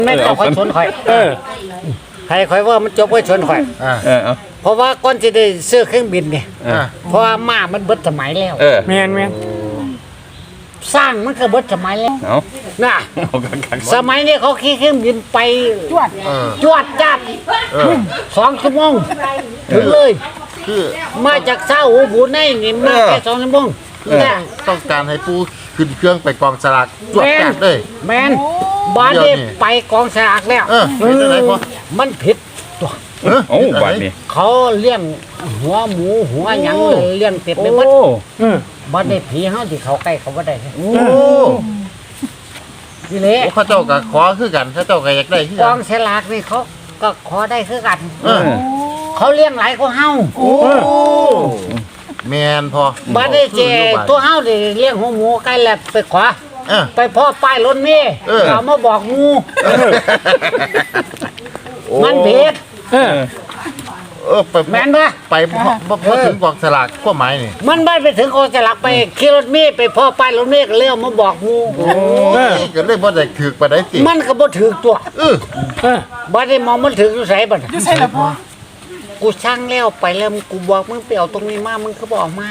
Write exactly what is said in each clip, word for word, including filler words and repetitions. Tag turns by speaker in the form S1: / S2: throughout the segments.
S1: ไม่ต้องคอยชนข่อยเออใครข่อยว่ามันจบไว้ชนข่อยเออเพราะว่าก่อนจะได้ซื้อเครื่องบินเนี่ยเพราะว่าม้ามันเบิดสมัยแล้วแม่นแม่นสร้างมันก็เบิดสมัยแล้วน่ะสมัยนี้เขาขี่เครื่องบินไปจวดจวดจัดสองชั่วโมงถึงเลยคือมาจากเช้าหูบูในนี่มาแค่สองชั่วโมง
S2: ต้องการให้ปูขึ้นเครื่องไปกองสลากจวดจัดเลย
S1: แมนบ้านนี้ไปกองสลากแล้วมันผิดตัว
S3: โอ้บ้านนี้
S1: เขาเลี้ยงหัวหมูหัวหยังเลี้ยงเป็ดไปหมดบ้านนี้ผีเฮาที่เขาใกล้เขาบ่ได้โอ้นี่แหละ
S2: เขาเจ้าก็ขอคือกันเขาเจ้าก็อยากได้คือก
S1: องสลากนี่เขาก็ขอได้คือกันเขาเลี้ยงหลายกว่าเฮา
S2: แมนพอ
S1: บ้านนี้เจตัวเฮาได้เลี้ยงหัวหมูใกล้แล้วไปขวาไปพ่อป้ายรถเมย์เอามาบอกงูมันเผ็ด
S2: เออไป
S1: แม่นปะ
S2: ไปพอถึงกองสลากก็หมายนี่
S1: มันไม่ไปถึงกองสลากไปขี่รถเมย์ไปพ่อป้ายรถเมย์ก็เลี้ยวมาบอกงู
S2: ก็เลยบ่ได้ถือไปได้สิ
S1: มันก็บ่ถือตัวเออบ่ได้มองมันถืออยู่ไสบ่
S4: อยู่ไสล่ะพ่อ
S1: กูช่างแล้วไปแล้วกูบอกมึงไปเอาตรงนี้มามึงก็บอกมา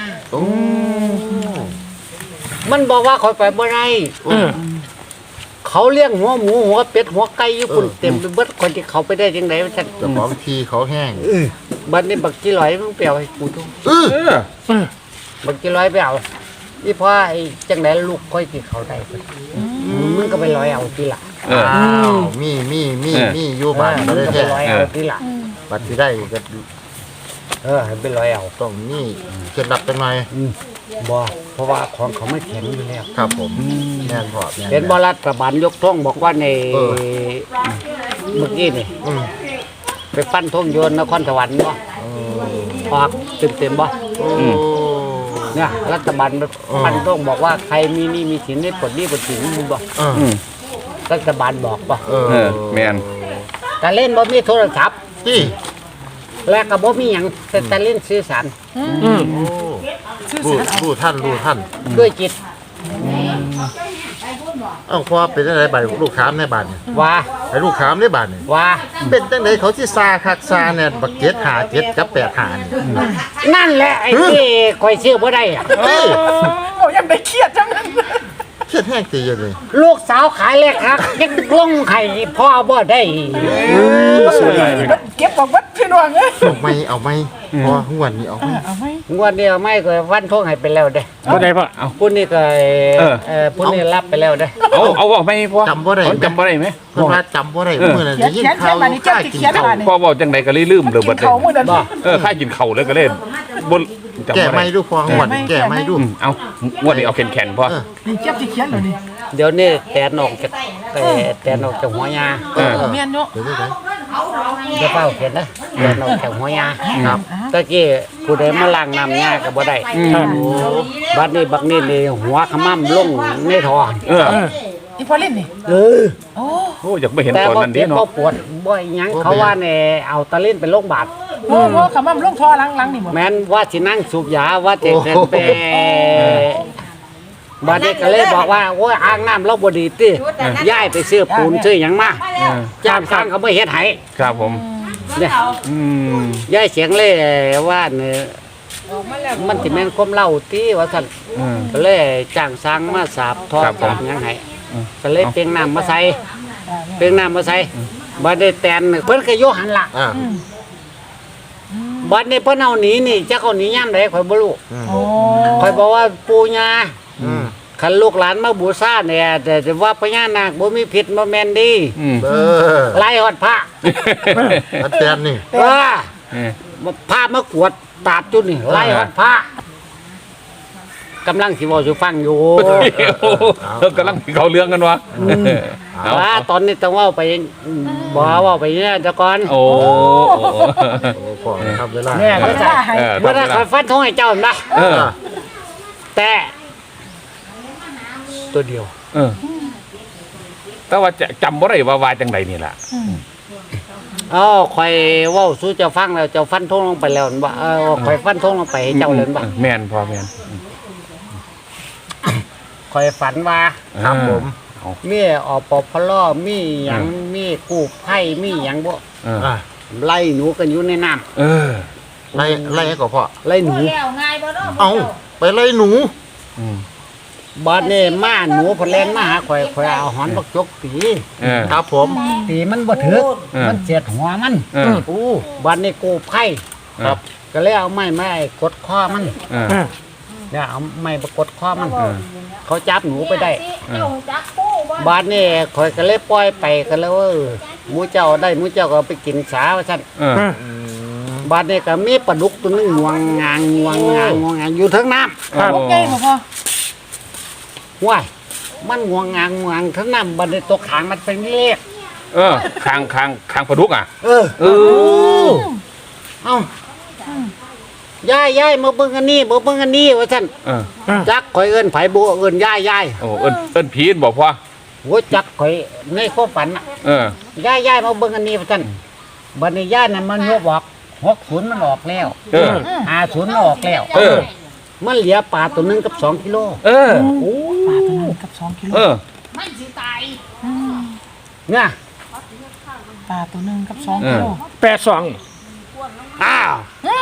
S1: มันบอกว่าคอยไปบ่ได้เขาเลี้ยงหัวหมูหัวเป็ดหัวไก่อยู่ปุ่นเต็มไปเบิดคนที่เขาไปได้ยังไงวะท่าน
S2: แต่บางทีเขาแห้ง
S1: บัดนี้บักจีร้อยมึงไปเอาให้กูทุกบักจีร้อยไปเอานี่พ่อไอ้จังไหนลูกค่อยที่เขาได้มึงก็ไปร้อยเอาทีหลัง
S2: อ้าวมีมีมีมีอยู่บ้าน
S1: ไม่ได้แค่ร้อยเอาทีหลัง
S2: บัดที่ได้ก็
S1: เออให้ไปร้อยเอา
S2: ต้องนี่เคล็ดลับเป็นไง
S1: บ่เพราะว่าของเขาไม่แข็งอยู่แล้ว
S2: ครับผมแน่นพอ
S1: เป็นบรัฐบาลยกท่องบอกว่าในเมื่อกี้นี่ไปปั้นท่องโยนนครสวรรค์บ่ออกเต็มเต็มบ่เนี่ยรัฐบาลปั้นท่องบอกว่าใครมีนี่มีสินให้ปลดหนี้ปลดสินมึงบ่รัฐบาลบอกบ่
S3: แม่น
S1: แต่เล่นบ่มีโทรศัพท์ที่แล้วก็บ่มีหยังแต่เล่นสื่อสาร
S2: รู้รู้ท่านรู้ท่าน
S1: ด้วยจิต
S2: เอ้าพอเป็นจังได๋ใบลูกค้ามในบ้านนี่
S1: ว่า
S2: ให้ลูกค้ามในบ้านนี่
S1: ว่า
S2: เป็นจังได๋เขาสิซาคักซาเนี่ยบักเจ็ดห้าเจ็ดกับแปดห้านี่
S1: นั่นแหละไอ้ที่ข่อยซื้อบ่ได้อ่ะ
S4: โอ้ยังได้เครียดจังนั้น
S2: เครียดแห้งตีอยู่เลย
S1: ลูกสาวขายเลยครับยังลงไข่พ่อบ่ได้
S4: เก็บของวัดพี่น้องเอ้ย
S2: เอาไม่เอาไม่พอหัวนี่เอาไม่
S4: เอาไม่
S1: หัวนี่เอาไม่ก็วันท่องให้ไปแล้วเด้
S3: บ่ได้พ่อเอา
S1: พุ่นนี่ก็เอ่อพุ่นนี่รับไปแล้วเด้
S3: เอาเอาบ่ไม่พ่อ
S2: จำบ่ได้
S3: จำบ่ได้ไหม
S2: เพิ่นว่าจำบ่ได้เมื่อนั้นได้ยินข่าวค่ากินข้าว
S3: พ่อบอกจังไดก็เลยลืมเลยเบิดเลยเออค่ากินข้าวเลยก็เล่นบ่
S2: แก่ไม่ดูพอหัวแก่ไม่ดู
S3: เอางวดนี้เอาแข็งๆพ่อ
S4: นี่เก็บที่เขียนเลยนี่
S1: เดี๋ยวนี้แตนออกจากแต่แตนออกจากหัวยา
S4: เออแม่นเนาะ
S1: เดี๋ยวเป้าเห็นนะแตนออกจากหัวยาครับตะกี้ผู้ใดมาล้างน้ำยาก็บ่ได้บัดนี้บักนี่นี่หัวขมั่มลงในท่อ
S3: เออ
S4: อีพอเล่นนี่
S1: เออ
S4: โอ้
S3: โหอยากไปเห็นตอนนั้นดิเนาะ
S1: แต่บ่ปวดบ่หยังเขาว่าแน่เอาตะลิ้นไปโรงพยาบาล
S4: โอ้โหขมั่มลงท่อล้างๆนี่บ่
S1: แม่นว่าสินั่งสูบยาว่าจะเดินไปบัดนี้ก็เลยบอกว่าโอ้ยอ่างน้ำเราบ่ดีติย้ายไปซื้อปูนซื้อหยังมาจ้างสร้างเขาบ่เฮ็ดให้
S3: ครับผม
S1: เนี่ยอืมย้ายเสียงเลยว่าเนี่ยมันสิแม่นความเล่าติว่าซั่นก็เลยจ้างสร้างมาสาบทอดหยังให้ก็เลยเปียงน้ำมาใส่เปียงน้ำมาใส่บัดนี้แตนเพิ่นก็อยู่หันล่ะบัดนี้เพิ่นเอาหนีนี่จักเอาหนียามใดข่อยบ่รู้ข่อยบอกว่าปู่ย่าคันลูกหลานมาบูชาเนี่ยแต่ว่าพญานาคบ่มีผิดบ่แม่นดี
S2: เออ
S1: ไล่ฮอดพระ
S2: อันแตนนี่
S1: เออพระมากวดตาดจุนี่ไล่ฮอดพระกำลังสิเว้าสิฟังอยู่
S3: เออกำลังเขาเรื่องกันวะ
S1: ว่าตอนนี้ต้องเว้าไปบ่เว้าไปเนี่ยตะก่อน
S3: โอ้
S2: ขอครับเวลา
S1: เนี่ยก็จะบ่ได้ขอฟันทงให้เจ้านะเออแต่ตัวเดียว
S3: เออแต่ว่าจะจำบ่ได้ว่าว่าจังไดนี่ล่ะ
S1: อ๋อข่อยเว้าสู่เจ้าฟังแล้วเจ้าฟันทงลงไปแล้วบ่เออข่อยฟันทงลงไปให้เจ้าเลยบ่
S3: แม่นพอแม่น
S1: ข่อยฝันว่า
S2: ครับผม
S1: มีอปพลมีหยังมีกู้ภัยมีหยังบ่
S3: เออ
S2: อ่ะ
S1: ไล่หนูกันอยู่ในน้ำ
S3: เออ
S2: ไล่ไล่ก็พ่อ
S1: ไล่หนู
S5: แล้วง่ายบ่เนาะ
S2: เอาไปไล่หนู
S3: อืม
S1: บาดนี้มาหนูพนแลนมาหาข่อยข่อยเอาหอนบักจกตี
S3: เออ
S2: ครับผม
S1: ตีมันบ่ถึก
S3: เออ
S1: มันเสียดหัวมัน
S3: เออ
S1: โอ้บาดนี้กู้ภัย
S2: ครับ
S1: ก็เลยเอาไม้ไม้กดคอมัน
S3: เออ
S1: เนี่ยเอาไม้ประกดคอมัน เขาจับหนูไปได้
S5: เจ้าจักปูบ่
S1: บาดนี้ข่อยก็เลยปล่อยไปก็แล้วเออหมูเจ้าได้หมูเจ้าก็เอาไปกินสาว่าซั่น
S3: เออ
S1: บาดนี้ก็มีปลาดุกตัวหนึงงวงงางงวงงางงวงงางอยู่เทั้งน้ำ
S3: ครับ
S4: โอเคบ่พ่อ
S1: ว้ายมันงวงงางงวงเทั้งน้ำบาดนี้ตัวขางมันเป็นเลข
S3: เออคางคางคางปลาดุกอ่ะ
S1: เออ
S3: เออ
S1: เอ้าย่ายย่ายมาเบิ่งอันนี้มาเบิ่งอันนี้ว่าซั่น
S3: เออ
S1: จักข่อยเอิ้นไผบ่เอิ้นย่ายย่าย
S3: โอ้เอิ้นเอิ้นผีนบอกพ่อ
S1: โหจักข่อยในความฝันน่ะ
S3: เออ
S1: ย่ายย่ายมาเบิ่งอันนี้ว่าซั่นบัดนี้ย่ายนั่นมันยกบอกหกศูนย์มันออกแล้ว
S3: เออ
S1: ห้าศูนย์มันออกแล้ว
S3: เออ
S1: มันเหลือปลาตัวหนึงกับสองกิโล
S3: เออ
S1: โอ้
S4: ปลาตัวนึงกับสองกิโล
S3: เออ
S5: มันสิตาย
S1: เนี่ย
S4: ปลาตัวนึงกับสองกิโล
S6: แปดสอง
S1: อ้าว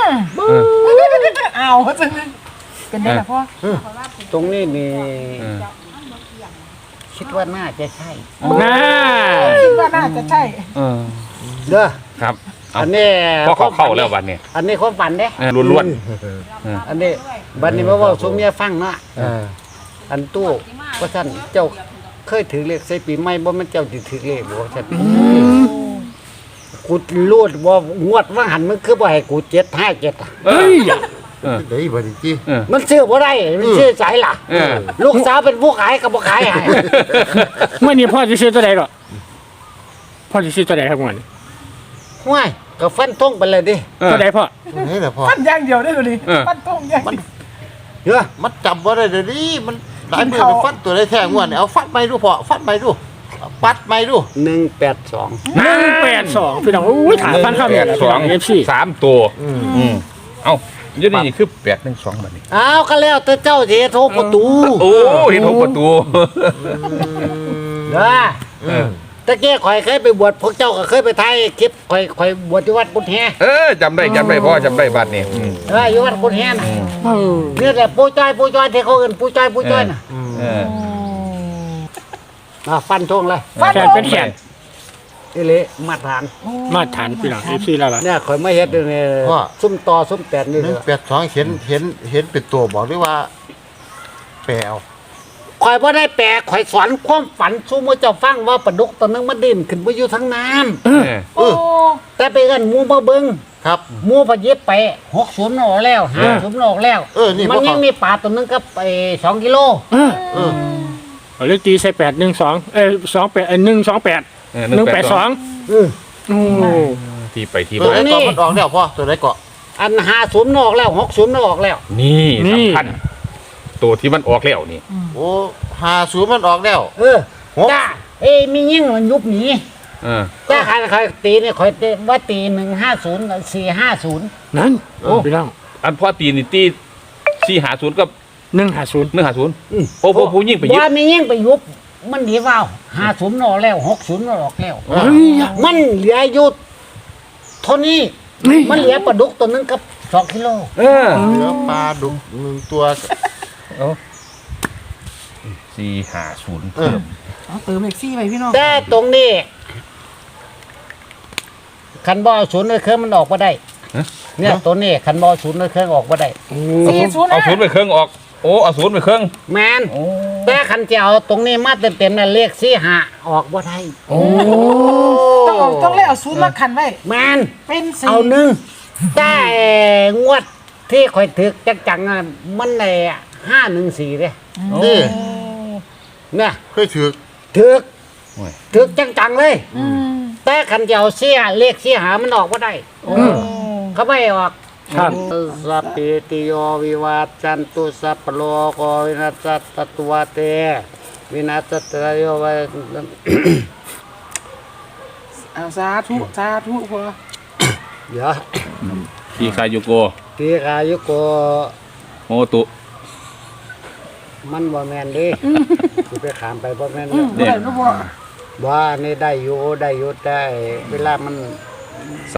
S4: เอาจังเป็นได้ล่ะพ่อ
S1: ตรงนี้นี่
S3: เออ
S1: คิดว่าน่าจะใช่
S6: น่า
S4: คิดว่าน่าจะใช่
S3: เออ
S1: เด้อ
S3: ครับเอา
S1: อันนี้
S3: พ่อเขาเข้าแล้ววันนี้
S1: อันนี้ความฝันเด้
S3: เออล้วน
S1: อันนี้บัดนี้มาเว้าสู่เมียฟังเนาะ
S2: เออ
S1: อันตู้ว่าท่านเจ้าเคยถือเลขใส่ปีใหม่บ่แมันเจ้าสิถือเลขบ่ว่าท่านกูรูดว่างวดว่าหันมันคือบ่ให้กูเจ็ดห้าเจ็ดอะ
S3: ๆเอ้ยเออ
S2: เดี๋ยวอีกบัดนี้จี
S3: เออ
S1: มันซื้อบ่ได้มันซื้อสายล่ะ
S3: เออ
S1: ลูกสาวเป็นผู้ขายก็บ่ขายให้
S6: เมื่อนี้พ่อจะซื้อตัวใดหรอพ่อจะซื้อตัวใดครับเมื่อนี้
S1: ห้วยก็ฟันทงไปเลยดิ
S3: เออ
S6: ตัวใดพ่อ
S2: นี่แหละพ่อ
S4: ปั้นอย่างเดียวได้เลย
S3: เออ
S4: ปั้นตรงอย่างเดียว
S1: เด้อ
S2: มันจำว่าได้เดี๋ยวนี้มันหลายมือ
S4: กิน
S2: ไป
S4: ข้าว
S2: ฟันตัวได้แท้งวดเนี่ยเอาฟันไปดูพ่อฟันไปดูเอาปัดไปดู
S1: หนึ่งแปดสอง
S6: หนึ่งแปดสองพี่น้องโอ้ยถามฟันข้าว
S3: แป
S6: เนี่ย
S3: ด
S6: แหละ
S3: ส
S6: พี่
S3: อ
S6: น้อง งเอฟซี
S3: สามตัวอืมเอ้าอยี่นี่คือแปดหนึ่งสองแบบนี้
S1: อ้าวก็แล้วแต่เจ้าสิโทรประตู
S3: โอ้เห็นหกประตู
S1: เด้อ
S3: เออ
S1: ตะเกียข่อยเคยไปบวชพวกเจ้าก็เคยไปถ่ายคลิปข่อยข่อยบวชที่วัดกุฎแฮ
S3: เออจำได้จำได้พ่อจำได้บัดนี้อืม
S1: เอออยู่วัดกุฎแฮน่ะนี่แหละปู่จ้อยปู่จ้อยที่เขาเอิ้นปู่จ้อยปู่จ้อยน่ะ
S3: เออ
S1: อ่าฟันทงเลย
S6: แขนเป็นแขน
S1: นี่เลยมาตรฐาน
S6: มาตรฐานพี่น้องเอฟซีแล้วล่ะ
S1: เนี่ยข่อยไม่เฮ็ดเนี่ยซุ่มต่อซุ่มแตนนี่
S2: หนึ่ง
S1: เด้อ
S2: แปดสองเห็นเห็นเห็นเป็นตัวบอกด้วยว่าแปลเอา
S1: ข่อยบ่ได้แปลข่อยสอนความฝันสู่มื้อเจ้าฟังว่าปลาดุกตัวนึงมันดิ้นขึ้นไปอยู่ทั้งน้ำ
S3: เออ
S2: เออ
S1: แต่ไปเอิ้นหมู่มาเบิ่ง
S2: ครับ
S1: หมู่พะเย็บไปหกสิบออกแล้วห้าสิบออกแล้ว
S2: เออนี่
S1: มัน
S2: พวก
S1: ยัง
S2: เขา
S1: มีปลาตัวนึงก็ไปสองกิโล
S6: เออ
S2: เออ
S6: เอาเลขตีใส่แปดหนึ่งสองเอ้ยสองแปดเอ้ยหนึ่งสองแปด
S3: เออ
S6: หนึ่งแปดสอง
S1: เออ
S6: โอ้
S3: ที่ไปที่
S2: ตัว
S3: มา
S2: ไหนเกาะมันออกแล้วพ่อตัวไหนเกาะ
S1: อันห้าสิบออกแล้วหกสิบออกแล้ว
S3: นี่สำคัญตัวที่มันออกแล้วนี่
S2: โอ้หาศูนย์มันออกแล้ว
S1: เออ
S2: หก
S1: จ้าเอ้ยมียิ่งมันยุบหนี
S3: เออ
S1: จ้าใครใครตีเนี่ยคอยตีว่าตีหนึ่งห้าศูนย์สี่ห้าศูนย์
S6: นั่นโอ้พี่น้อง
S3: อันพ่อตีนี่ตีสี่หาศูนย์กับ
S6: หนึ่งห้าศูนย์
S3: หนึ่งหาศูนย์โอ้โหผู้ยิ่งไปยิบ
S1: ว่ามียิ่งไปยุบมันหนีว่าวห้าศูนย์ออกแล้วหกศูนย์ออกแล้ว
S6: เฮ้ย
S1: มันเหลืออยู่เท่านี้
S6: นี่
S1: มันเหลือปลาดุกตัวนึงกับสองกิโล
S3: เออ
S2: เหลือปลาดุกหนึ่งตัว
S3: สี่หาศูนย์
S2: เออ
S4: เอาเติมเลขซี่ไปพี่น้อง
S1: แต่ตรงนี้คันบอศูนย์เลยเครื่องมันออกมาได้เนี่ยตัวนี้คันบอศูนย์เลยเครื่องออกมาได้
S4: สี่ศูนย์
S3: เอาศูนย์ไปเครื่องออก โอ้เอาศูนย์ไปเครื่อง
S1: แมนแต่คันจะเอาตรงนี้มาเต็มๆน่ะเลขสี่หาออกบ่ได้
S4: ต้องเอาต้องเลยเอาศูนย์มาขันไว้
S1: แมน
S4: เป็นสี่
S1: เอาหนึ่งแต่งวดที่ข่อยถึกจังๆอ่ะมันในห้าหนึ่งสี่เลย
S2: นี่
S1: เนี่ย
S2: เคยถือ
S1: ถึก
S3: โอ้ย
S1: ถึกจังๆเลย แต่คันจะเอาเสียเลขเสียหามันออกบ่ได้เขาไม่ออก
S6: ครับ
S1: สัพเพติโยวิวาจันตุสัพพโลกวินัสสตตุวเตวินัสสตโยวิ
S4: เอาสาธุสาธุพอ
S1: เดี๋ยว
S3: ทีคายุโก
S1: ตีกายุโก
S3: โมตุ
S1: มันบ่แม่นเดิสิไปขามไปบ่แม่น
S4: บ่ได้เนาะพ่อ
S1: ว่านี่ได้อยู่ได้อยู่แต่เวลามัน